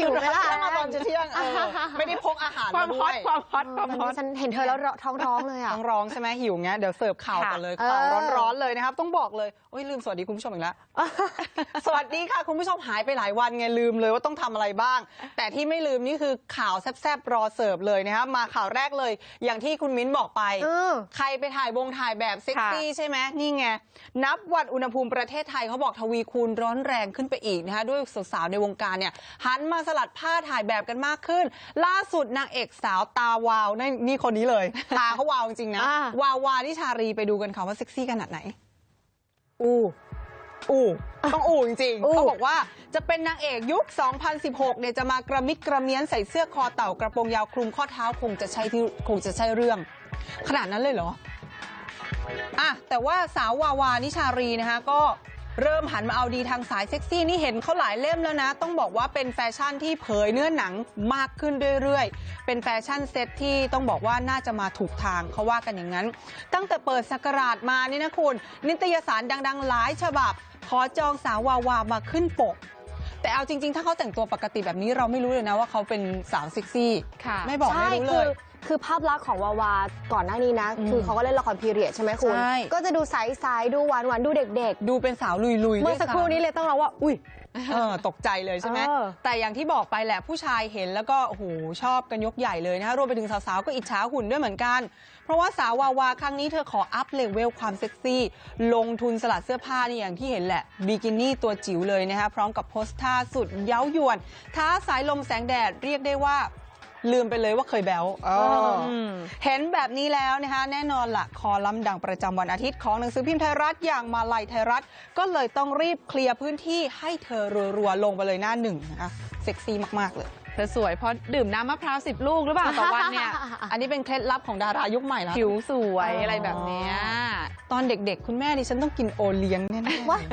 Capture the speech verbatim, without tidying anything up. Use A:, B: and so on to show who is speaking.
A: หิวไหมล่ะ
B: มาตอนเที่ยงเออไม่ได้พกอาหาร
A: ความฮอตความฮอตความฮอต
C: ฉันเห็นเธอแล้วท้องร้องเลยอ่ะ
B: ท้องร้องใช่ไหมหิวเงี้ยเดี๋ยวเสิร์ฟข่าวกันเลยข่าวร้อนๆเลยนะครับต้องบอกเลยโอ้ยลืมสวัสดีคุณผู้ชมอีกแล้วสวัสดีค่ะคุณผู้ชมหายไปหลายวันไงลืมเลยว่าต้องทำอะไรบ้างแต่ที่ไม่ลืมนี่คือข่าวแซ่บๆรอเสิร์ฟเลยนะครับมาข่าวแรกเลยอย่างที่คุณมิ้นบอกไปใครไปถ่ายวงถ่ายแบบเซ็กซี่ใช่ไหมนี่ไงนับวันอุณหภูมิประเทศไทยเขาบอกทวีคูณร้อนแรงขึ้นไปอีกนะคะด้วยสาวๆในวงการเนี่ยหันมาสลัดผ้าถ่ายแบบกันมากขึ้นล่าสุดนางเอกสาวตาวาวนี่นี่คนนี้เลยตาเขาวาวจริงๆนะวาวานิชารีไปดูกันค่ะว่าเซ็กซี่ขนาดไหนอู้อู้ต้องอู้จริงๆเขาบอกว่าจะเป็นนางเอกยุคสองพันสิบหกเนี่ยจะมากระมิดกระเมี้ยนใส่เสื้อคอเต่ากระโปรงยาวคลุมข้อเท้าคงจะใช่ที่คงจะใช่เรื่องขนาดนั้นเลยเหรออ่ะแต่ว่าสาววาวานิชารีนะคะก็เริ่มหันมาเอาดีทางสายเซ็กซี่นี่เห็นเขาหลายเล่มแล้วนะต้องบอกว่าเป็นแฟชั่นที่เผยเนื้อหนังมากขึ้นเรื่อยๆเป็นแฟชั่นเซ็ตที่ต้องบอกว่าน่าจะมาถูกทางเขาว่ากันอย่างนั้นตั้งแต่เปิดศักราชมานี่นะคุณนิตยสารดังๆหลายฉบับขอจองสาววาวามาขึ้นปกแต่เอาจริงๆถ้าเขาแต่งตัวปกติแบบนี้เราไม่รู้เลยนะว่าเขาเป็นสาวเซ็กซี่ไม่บอกไม่รู้เลย
C: คือภาพลักษณ์ของวาวาก่อนหน้านี้นะคือเขาก็เล่นละครพีเรียดใช่ไหมคุณก็จะดูใสๆดูหวานๆดูเด็ก
B: ๆดูเป็นสาวลุยๆ
C: เมื่อสักครู่นี้เลยต้องร้องว่าอุ้ย
B: เออตกใจเลยใช่ไหมแต่อย่างที่บอกไปแหละผู้ชายเห็นแล้วก็โอ้โหชอบกันยกใหญ่เลยนะคะรวมไปถึงสาวๆก็อิจฉาหุ่นด้วยเหมือนกันเพราะว่าสาววาวาครั้งนี้เธอขออัพเลเวลความเซ็กซี่ลงทุนสลัดเสื้อผ้านี่อย่างที่เห็นแหละบิกินี่ตัวจิ๋วเลยนะคะพร้อมกับโพสท่าสุดเย้ายวนท้าสายลมแสงแดดเรียกได้ว่าลืมไปเลยว่าเคยแบ๊วเห็นแบบนี้แล้วนะคะแน่นอนละคอลัมน์ดังประจำวันอาทิตย์ของหนังสือพิมพ์ไทยรัฐอย่างมาลัยไทยรัฐก็เลยต้องรีบเคลียร์พื้นที่ให้เธอรัวๆลงไปเลยหน้าหนึ่งนะคะเซ็กซี่มากๆเลย
A: เธอสวยเพราะดื่มน้ำมะพร้าวสิบลูกหรือเปล่าต่อวันเนี่ย
B: อันนี้เป็นเคล็ดลับของดารายุคใหม่แล้ว
A: ผิวสวยอะไรแบบนี้
B: ตอนเด็กๆคุณแม่ดิฉันต้องกินโอเลี้ยงแน่ๆ